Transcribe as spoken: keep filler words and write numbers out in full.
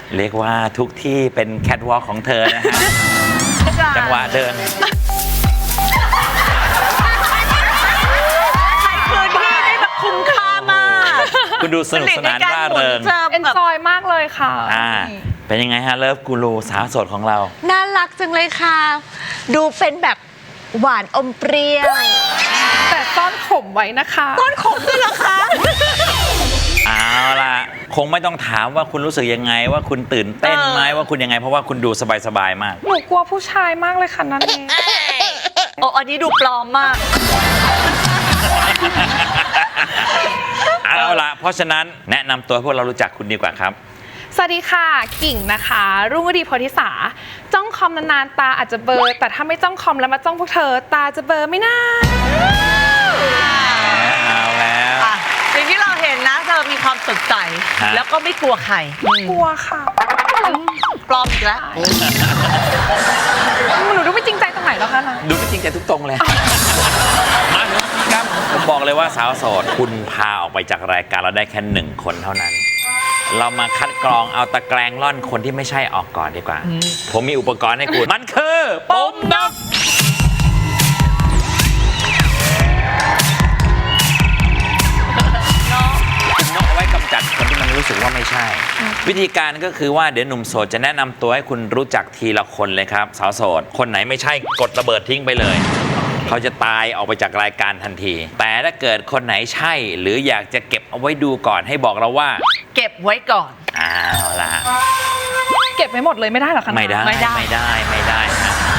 เรียกว่าทุกที่เป็นแคทวอล์กของเธอนะฮะ จังหวะเดินคืนที่ได้แบบคุ้มค่ามากคุณดูสนุกสนานร่าเริงเอนจอยมากเลยค่ะอ่าเป็นยังไงฮะเลิฟกูรูสาวโสดของเราน่ารักจังเลยค่ะ ดูเป็นแบบหวานอมเปรี้ยวแต่ซ่อนขมไว้นะคะต้นขมด้วยเหรอคะเอาล่ะคงไม่ต้องถามว่าคุณรู้สึกยังไงว่าคุณตื่นเต้นไหมว่าคุณยังไงเพราะว่าคุณดูสบายๆมากหนูกลัวผู้ชายมากเลยค่ะนั่นเองโอ้อันนี้ดูปลอมมากเอาล่ะเพราะฉะนั้นแนะนำตัวให้พวกเรารู้จักคุณดีกว่าครับสวัสดีค่ะกิ่งนะคะ รุ่งฤดีโพธิสาจ้องคอมนานๆตาอาจจะเบลอแต่ถ้าไม่จ้องคอมแล้วมาจ้องพวกเธอตาจะเบลอไหม่น่าเอาแล้วอ่ะสิ่งที่เราเห็นนะเธอมีความสดใสฮะแล้วก็ไม่กลัวใครกลัวค่ะปลอมอีกแล้วหนูดูไม่จริงใจตรงไหนแล้วคะนะดูไม่จริงใจทุกตรงเลย มาถึงครับผมบอกเลยว่าสาวโสดคุณพาออกไปจากรายการเราได้แค่หนึ่งคนเท่านั้น เรามาคัดกรองเอาตะแกรงล่อนคนที่ไม่ใช่ออกก่อนดีกว่า ผมมีอุปกรณ์ให้คุณ มันคือปุ่มนกนกเอาไว้กำจัดคนที่มันรู้สึกว่าไม่ใช่ วิธีการก็คือว่าเดี๋ยวหนุ่มโสดจะแนะนำตัวให้คุณรู้จักทีละคนเลยครับ สาวโสดคนไหนไม่ใช่กดระเบิดทิ้งไปเลย เขาจะตายออกไปจากรายการทันที แต่ถ้าเกิดคนไหนใช่ หรืออยากจะเก็บเอาไว้ดูก่อนให้บอกเราว่าเก็บไว้ก่อนเอาล่ะเก็บไว้หมดเลยไม่ได้เหรอคะนะไม่ได้ไม่ได้ไม่ได้ไม่ได้ฮะ